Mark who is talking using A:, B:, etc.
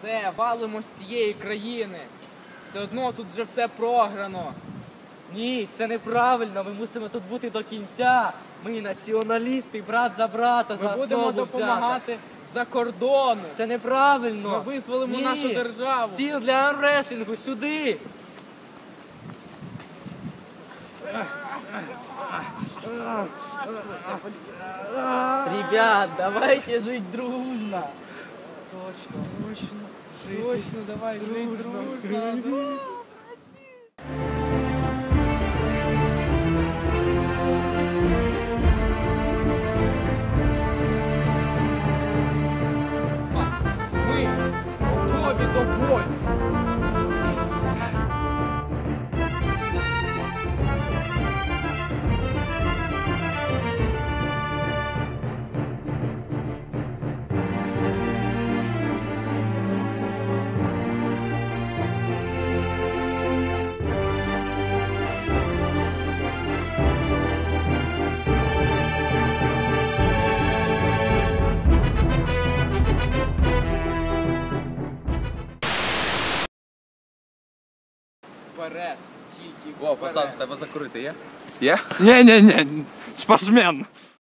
A: Все, валимо з цієї країни. Все одно тут вже все програно.
B: Ні, це неправильно, ми мусимо тут бути до кінця. Ми націоналісти, брат за брата, за
A: Ми будемо
B: основу
A: допомагати з-за кордону.
B: Це неправильно.
A: Ми визволимо нашу державу.
B: Стіл для армреслінгу, сюди. Ребят, давайте жить дружно.
A: Точно, давай, жить дружно. Ми готові до бою. Вперед, тільки
C: О,
A: вперед.
C: пацан, в тебе закурити є?
D: Ні-ні-ні, спортсмен.